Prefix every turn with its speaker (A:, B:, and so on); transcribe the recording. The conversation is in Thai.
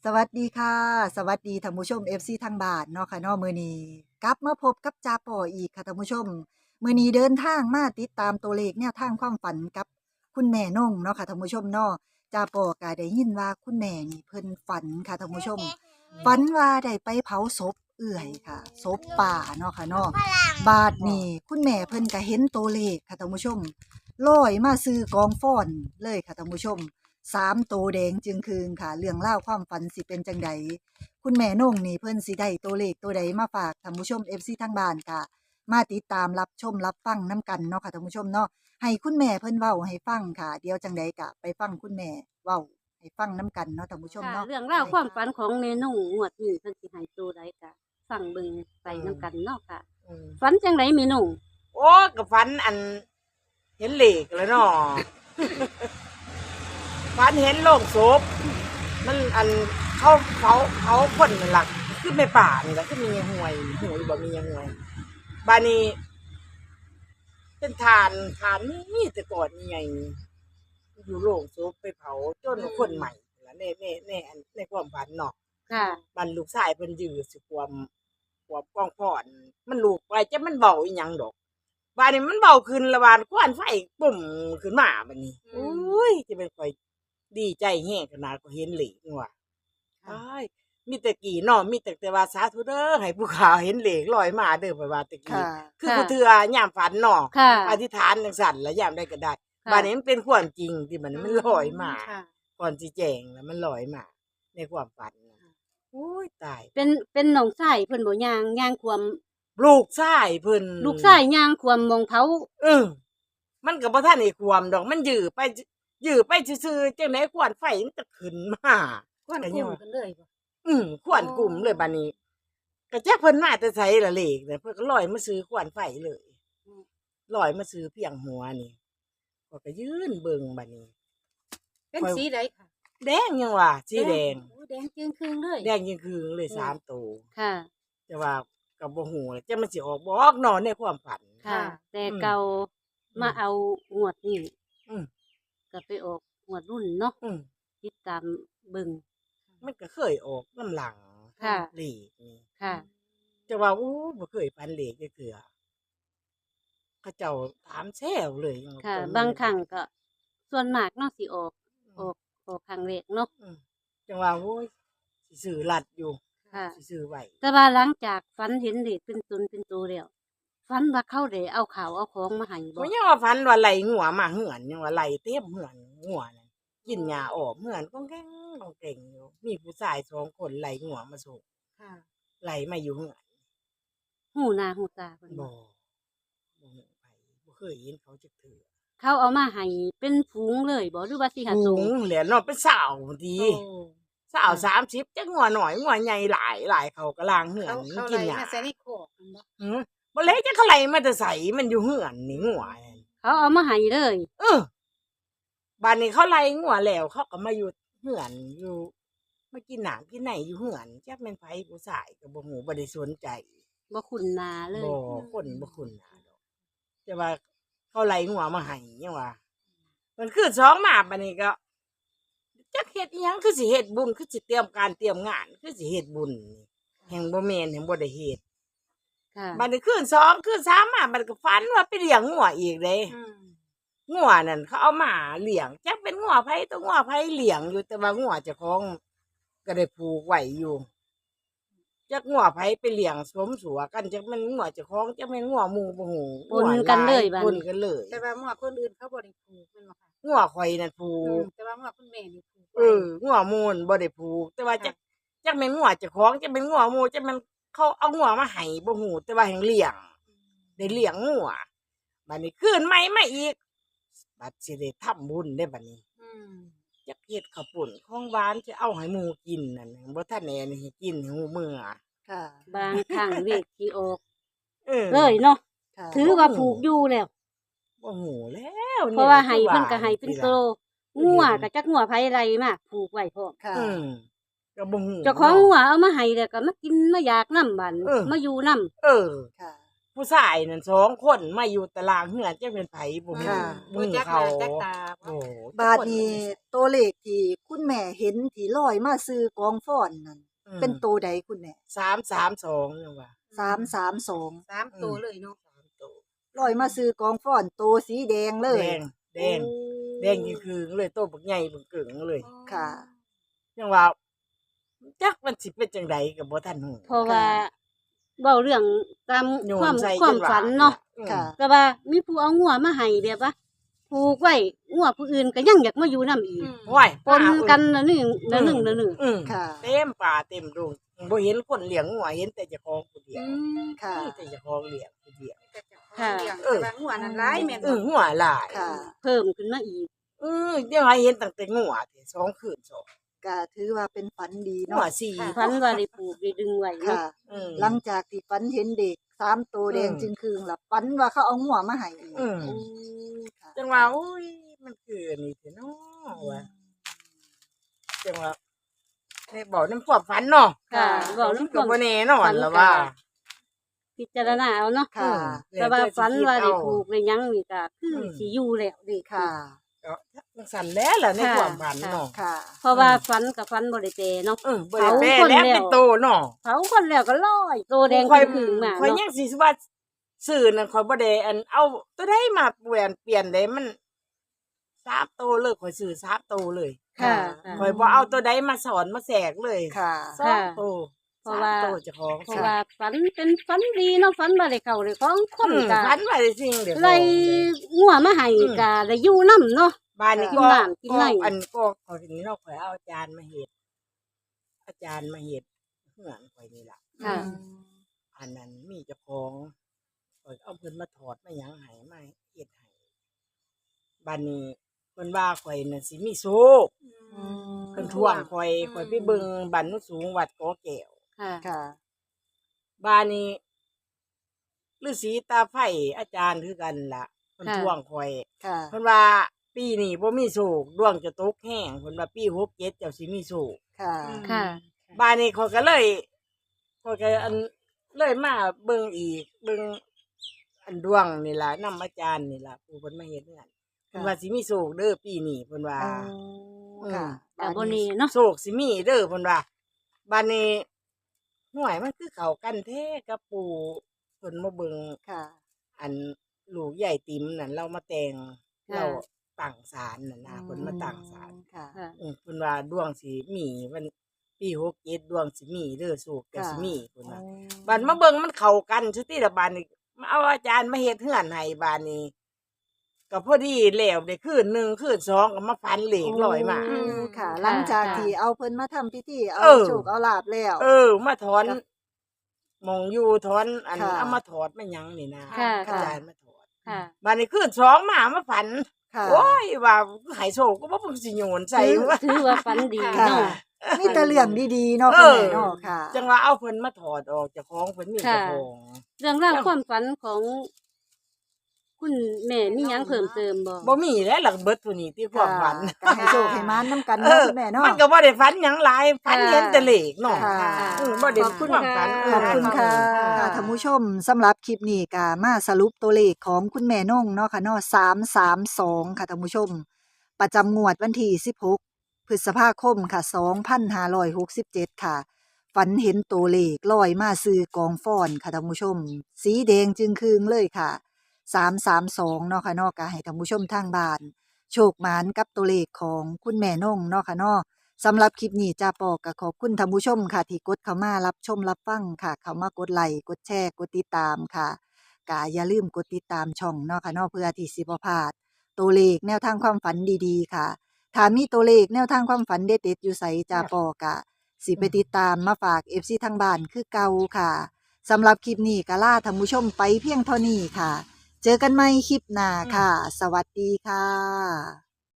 A: สวัสดีค่ะสวัสดีท่านผู้ชม FC ทางบ้านเนาะค่ะเนาะมื้อนี้กลับมาพบกับจาป่ออีกค่ะท่านผู้ชมมื้อนี้เดินทางมาติดตามตัวเลขแนวทางความฝันกับคุณแม่นงเนาะค่ะท่านผู้ชมเนาะจาป่อก็ได้ยินว่าคุณแม่นี่เพิ่นฝันค่ะท่านผู้ชมฝันว่าได้ไปเผาศพเอื้อยค่ะศพป่าเนาะค่ะเนาะบาดนี้คุณแม่เพิ่นก็เห็นตัวเลขค่ะท่านผู้ชมลอยมาซื้อกองฟ้อนเลยค่ะท่านผู้ชม 3 โตวแดงจึงคืนค่ะเรื่องเล่าวความฝันสิเป็นจังใดคุณแม่นงนี่เพิ่นสิได้ตัวเลขตัวใดมาฝากท่านผู้ชม FC ทางบ้านค่ะมาติดตามรับชมรับฟังน้ำกันเนาะค่ะท่านผู้ชมเนาะให้คุณแม่เพิ่นเว้าให้ฟังค่ะเดี๋ยวจังใดก็ไปฟังคุณแม่เว้าให้ฟังน้ำกันเนาะท่านผู้ชม
B: ค่ะ
A: เนาะ
B: เรื่องราวความฝันของเมนุ่งงวดนี้เพิ่นสิให้ตัวใดก็ฟังเบิ่งไปนํกันเนาะค่ะฝันจังไดเมนุ่ง
C: โอ้กับฝันเห็นเหล็กแล้วเนาะ ฝันเห็นโลงศพมันเขาคนนั่นล่ะคือในป่านี่แหละคือมีห่วยห่วยบ่มีห่วยบานี้เป็นฐานนี่แต่ก่อนนี่ไงอยู่โลงศพไปเผาจนคนใหม่แล้วในความฝันเนาะ
B: ค่ะ
C: มันลูกชายเพิ่นยื้อสิความกองพ่อนมันลูกไปจะมันเบาอีหยังดอกบาดนี้มันเบาขึ้นละบาดควันไฟปุ่มขึ้นมาบัดนี้โอ้ยจะเป็นข่อยดีใจแฮงขนาดก็เห็นเหล็กว่ะอ้ายมีแต่กี่เนาะมีแต่ว่าสาธุเด้อให้ผู้ขาเห็นเหล็กลอยมาเด้อไปว่าแตะกี้
A: ค่ะ
C: คือผู้เทื่อยามฝันเนาะ
B: ค่ะ
C: อธิษฐานจังซั่นแล้วยามได้ก็ได้บาดนี้มันเป็นความจริงที่มันลอยมา
B: ค่ะ
C: ก่อนสิแจ้งแล้วมันลอยมาในความฝันน่ะโอ้ยตาย
B: เป็นน้องชายเพิ่นบ่ย่างความ
C: ลูกชายเพิ่น
B: ลูกชายย่างความมองเผา
C: เออมันก็บ่ทันได้ความดอกมันยื้อไปซื่อๆจังได๋ควันไฟมันจะขึ้นมา
B: ควันกลุ่มกันเลยบ่
C: ควันกลุ่มเลยบัดนี้ก็จักเพิ่นมาแต่ไสล่ะเลขเนี่ยเพิ่นก็ลอยมาซื้อควันไฟเลยลอยมาซื้อเพียงหัวนี่ก็ยืนเบิ่งบัดนี้
B: เป็นสีใดค่ะ
C: แดงยังว่าสีแดง
B: โอ้แดงจึงครึ่งเลย
C: แดงยิ่งคืองเลย3ตัว
B: ค่ะ
C: แต่ว่าก็บ่ฮู้แหละจักมันสิออกบ่ออกเนาะในความฝัน
B: ค่ะ แต่เก่ามาเอางวดนี้
C: อืม
B: ก็ไปออกงวดรุ่นเนาะ
C: อืม
B: ติดตามเบิ่ง
C: มันก็เคยออกน้ำหลัง
B: ค่ะ
C: เหล็กนี่
B: ค่ะ
C: จะว่าอู้บ่เคยฟันเหล็กจักเทื่อเขาเจ้าถามแซวเลยยัง
B: ค่ะ
C: ตอนนี้
B: บางครั้งก็ส่วนมากเนาะสิออกครั้งแรกเนาะ
C: อืมจังว่าโอ้ยสิซื้อลัดอยู่
B: ค่ะ
C: สิซื้อไว้
B: แต่ว่าหลังจากฝันเห็นเด็กเป็นตนเป็นตัวแล้วฝันว่าเขาได้เอาข่าวเอาของมาให้บ่
C: บ่ยังว่าฟันว่าไหลงัวมาเหือนยังว่าไหลเต็มเหือนงัวนั่นกินหญ้าออกเหือนก้องแก้งก้องเก่งอยู่มีผู้ชาย2คนไหลงัวมาส่ง
B: ค่ะ
C: ไหลมาอยู่เหือน
B: หูหน้าหูตาเพิ่น
C: บ่ฮู้ไปบ่เคยเห็นเขาจักเทื่อ
B: เขาเอามาให้เป็นฝูงเลยบ่หรือว่าสิหา
C: สู
B: ตัว
C: งแหละเนาะเป็นสาวดี สาว30จักงัวหน่อยงัวใหญ่หลายเขาก็ล้างเหือนมันกินหญ้า
D: ใส่ในโคกนั่นบ่
C: หือบ่เลยจักเขาไหลมาแต่ไสมันอยู่เหือนนี่งัวนั่น
B: เขาเอามาให้เลย
C: บ้านนี้เขาไล่งัวแล้วเขาก็มาอยู่เหือนอยู่มากินหนามกินไหนอยู่เหือนจักแม่นไผผู้ชายก็บ่ฮู้บ่ได้สนใจ
B: บ่คุ้นหน้าเลย
C: บ่คนบ่คุ้นหน้าดอกแต่ว่าเขาไล่งัวมาให้ยังว่ามันคือสองมาบัดนี้ก็จักเฮ็ดอีหยังคือสิเฮ็ดบุญคือสิเตรียมการเตรียมงานคือสิเฮ็ดบุญนี่แห่งบ่แม่นแห่งบ่ได้เฮ็ด
B: ค่ะ
C: บัดนี้คืน2คืน3มามันก็ฝันว่าไปเลี้ยงงัวอีกเด้งัวนั่นเขาเอามาเลี้ยงจักเป็นงัวไผตัวงัวไผเลี้ยงอยู่แต่ว่างัวเจ้าของก็ได้ผูกไว้อยู่จักงัวไผไปเลี้ยงสมสัวกันจักแม่นงัวเจ้าของจักแม่นงัวหมู่บ่ฮู้
B: ปนกันเลยบัด
C: ปน
B: นี้
C: กันเลย
D: แต่ว่าหมวกคนอื่นเขาบ่ได้ผูกแม่นบ่ค่ะ
C: งัวข่อยนั่นผูก
D: แต่ว่าหมวกคุณแม่นี่ผูกไว้
C: งัวหมู่นบ่ได้ผูก แต่ว่าจักแม่นงัวเจ้าของจักแม่นงัวหมู่จักแม่นเขาเอางัวมาให้บ่ฮู้แต่ว่าแห่งเลี้ยงได้เลี้ยงงัวบัดนี้คืนใหม่มาอีกบัดสิได้ทำบุญได้บัดนี้
D: อืม
C: จักเฮ็ดข้าวปุ้นของหวานจะเอาให้หมู่กินนั่นบ่ทันแน่นี่ให้กินให้หมู่มื้อ
A: ค่ะ
B: บางครั้งเลขที่ออก
C: เออ
B: เลยเนาะ
A: ค่ะ
B: ถือว่าผูกอยู่แล้ว
C: บ่ฮู้แล้ว
B: เพราะว่าให้เพิ่นก็ให้เป็นโต
C: เออ
B: งัวก็จักงัวไผไรมาผูกไว้พร้อม
A: ค่ะ
C: ก็บ่ฮู้
B: เจ้าของงัวเอามาให้แล้วก็มากินมาอยากนำบัด
C: เออ
B: มาอยู่นำ
C: เออ
A: ค่ะ
C: ผู้ผู้ชายนั่น2คนมาอยู่ตารางเฮือนจักเป็นไผบ่มี
A: ค่ะ
C: มื
D: บ่
C: อ
D: จักห
C: เขา
D: น้าจักตา
C: โอ้
A: บาดนี้ตัวเลขที่คุณแม่เห็นที่ลอยมาซื้อกองฟ้อนนั่นเป็นตัวใดคุณแม่
C: 332ยังว่า
A: 332
D: สามตัวเลยเนาะ
C: 3ตัว
A: ลอยมาซื้อกองฟ้อนตัวสีแดงเลย
C: แดงแดงยิ่งคือเลยโตบักใหญ่บักเกิงเลย
A: ค่ะ
C: ยังว่าจักมันสิเป็นจังไดก็บ่ทันฮู้
B: เพราะว่าเว้าเรื่องตาม
C: โย
B: ความ
C: ใส่
B: ความ
C: จว่า
B: ฝันเนาะ
A: ค่ะ
B: ก็ว่ามีผู้เอางัวมาให้แบบว่าผูกไว้งัวผู้อื่นก็ยังอยากมาอยู่นํอีก
C: โอ้ย
B: ปนกันละนึงละนึงละนึง
C: อืม
A: ค่ะ
C: เต็มป่าเต็มดงบ่เห็นคนเลี้ยงงัวเห็นแต่เจ้าของผู้เดียว
A: ค่ะ
C: มีแต่เจ้าของเลี้ยงผู้เดียว
B: ค่ะ
D: แต่ว่าหัวนั้นร้ายแม่นบ่
C: งัวหลาย
A: ค่ะ
B: เพิ่มขึ้นมาอีก
C: เดี๋ยวให้เห็นตั้งแต่งัวที่2คืน2
A: ก็ถือว่าเป็นฝันดี
C: งั
A: เนาะ
C: ว4
B: ฝันว่าได้ปลูกได้ดึงไว้เนาะ
A: ค่ะ หลังจากที่ฝันเห็นเด็ก3ตัวแดงจึงคืงล่ะฝันว่าเขาเอาหัวมาให้อีก
C: อืม
A: โอ้ค่ะ
C: จังว่าโอ้ยมันคืออันนี้แท้เนาะว่าจังว่าในบอกน้ำความฝันเนาะ
B: ค่ะเว้า
C: มัน
B: นำค
C: ก็
B: วาม
C: บ่แน่นอนล่ะว่า
B: พิจารณาเอาเนาะ
A: ค่ะ
B: แต่ว่าฝันว่าได้
C: ถู
B: ปลูกได้หยังนี่ก็คืออ
C: ม
B: สิอยู่แล้วเด้
A: ค่ะ
C: ก็จังสั่นแล้วล่ะใน
B: ค่ะ
C: ความฝันเนาะ
A: ค่ะ
B: เพราะว่าฝันกับฝันบ่ได้แปรเนาะ
C: บ่ได้แปล
B: เผาคน
C: แล้ว
B: แล้ว
C: เป็นโตเนาะ
B: เผาคนแล้วก็ลอยโตแดง
C: ข่อย
B: ขึ้นมา
C: ข่อย
B: เนาะ
C: ยังสิว่าซื้อนั่นข่อยบ่ได้อันเอาตัวใดมาเปลี่ยนได้มัน3โตเลยข่อยซื้อ3โตเลย
B: ค่ะ
C: ข่อยบ่เอาตัวใดมาสอนมาแสกเลย
A: ค่ะ
C: 2โต
B: เพราะว่า
C: 3โตเจ้าของ
B: เพราะว่าฝันเป็นฝันดีเนาะฝันว่าได้เข้าได้ของคนก็
C: ฝันว่าได้สิ่งเดียว
B: ไล่งัวมาให้ก็ได้อยู่นํเนาะ
C: บ้านนี้
B: กิน
C: ก็
B: น้ำกินไหน
C: อันก็ข่อยนี้เนาะข่อยเอาอาจารย์มาเฮ็ดอาจารย์มาเฮ็ดเฮือนข่อยนี่ล่ะ
B: ค่ะ
C: อันนั้นมีเจ้าของข่อยเอาเพิ่นมาถอดมาหยังให้มาเฮ็ดให้บัดนี้เพิ่นว่าข่อยน่ะสิมีโชคเพิ่นท่วงข่อยไปเบิ่งบ้านโนนสูงวัดกอแก้ว
B: ค่ะ
A: ค่ะ
C: บ้านนี้ฤาษีตาไฟอาจารย์คือกันล่ะเพิ่นท่วงข่อย
A: ค่ะ
C: เพิ่นว่าปีนี้บ่มีโชคดวงจะตกแห้งเพิ่นว่าปี67เจ้าสิมีโชค
A: ค่ะ
B: ค่ะ
C: บ้านนี้เขาก็เลยเขาก็อันเลยมาเบิ่งอีกเบิ่งอันดวงนี่ล่ะนำอาจารย์นี่ล่ะผู้เพิ่นมาเฮ็ดเฮือนเพิ่นว่าสิมีโชคเด้อปีนี้เพิ่นว่า
A: ค่ะ
B: ก็บ่แน่เนาะ
C: โชคสิมีเด้อเพิ่นว่าบ้านนี้ห่วยมันคือเข้ากันแท้กับปู่เพิ่นมาเบิ่ง
A: ค่ะ
C: อันลูกใหญ่ติ๋มนั่นเรามาแต่ง
B: ค่ะ
C: เราตั้งศาลนั่นนะเพิ่นมาตั้งศาล
A: ค่ะ
B: ค่ะ
C: เพิ่นว่าดวงสิมีมันปี67ดวงสิมีเด้อโชคก็สิมีเพิ่นว่า บัดมาเบิ่งมันเข้ากันซุติละบาดนี้มาเอาอาจารย์มาเฮ็ดเฮือนให้บาดนี้ก็พอดีแล้วได้คืน1คืน2ก็มาฝันเหล็กลอยมา
A: อืมค่ะ หลังจากที่เอาเพิ่นมาทำพิธีเอา
C: เออ
A: โชคเอาลาบแล้ว
C: มาถอน
A: ครับ
C: หมองอยู่ถอนอัน
A: ค่ะ
C: เอามาถอดมาหยังนี่นะ
B: ค่ะ
C: อาจารย์มาถอด
B: ค่ะ
C: บาดนี้คืน2มาฝัน
A: ค่ะ
C: โอ้ยว่าให้โชคก็บ่เพิ่งสิโยนใส่ว่า
B: ถือว่าฝันดี
A: ค่ะ
B: เนาะ
A: มีแต่เรื่องดีๆเนาะ
C: เอ
A: คุณ
C: อ
A: แม่เนาะค่ะ
C: จังว่าเอาเพิ่นมาถอดออกจากของเพิ่นมีเจ้าของ
B: เรื่องราวความฝันของ คุณแม่มีหยังเพิ่มเติมบ่
C: บ่มีแล้วหลักเบิดตัวนี้ที่ความฝัน
A: ก็ให้โชคให้มานน้ำกันเนาะคุณแม่เนาะ
C: มันก็บ่ได้ฝันหยังหลายฝันเห็นแต่เลขเนาะ
A: ค่ะ
C: บ่ได้
B: ขอบคุณ
C: ความฝัน
B: ค่ะ
A: ขอบคุณค่ะค่ะท่านผู้ชมสำหรับคลิปนี้ก็มาสรุปตัวเลขของคุณแม่นงเนาะค่ะเนาะ332ค่ะท่านผู้ชม ประจำงวดวันที่16พฤษภาคมค่ะ2567ค่ะ ฝันเห็นตัวเลขลอยมาซื้อกองฟ้อนค่ะท่านผู้ชม สีแดงจึงคืงเลยค่ะ332เนาะค่ะเนาะก็ให้ท่านผู้ชมทางบ้าน โชคหมานกับตัวเลขของคุณแม่นงเนาะค่ะเนาะสำหรับคลิปนี้จ้าปอก็ขอบคุณท่านผู้ชมค่ะ ที่กดเข้ามารับชมรับฟังค่ะ เข้ามากดไลค์กดแชร์กดติดตามค่ะก็อย่าลืมกดติดตามช่องเนาะค่ะเนาะเพื่อที่สิบ่พลาดตัวเลขแนวทางความฝันดีๆค่ะถ้ามีตัวเลขแนวทางความฝันเด็ดๆอยู่ไสจ้าปอกะสิไปติดตามมาฝาก FC ทางบ้านคือเก่าค่ะสำหรับคลิปนี้ก็ลาท่านผู้ชมไปเพียงเท่านี้ค่ะ เจอกันใหม่คลิปหน้าค่ะ สวัสดีค่ะ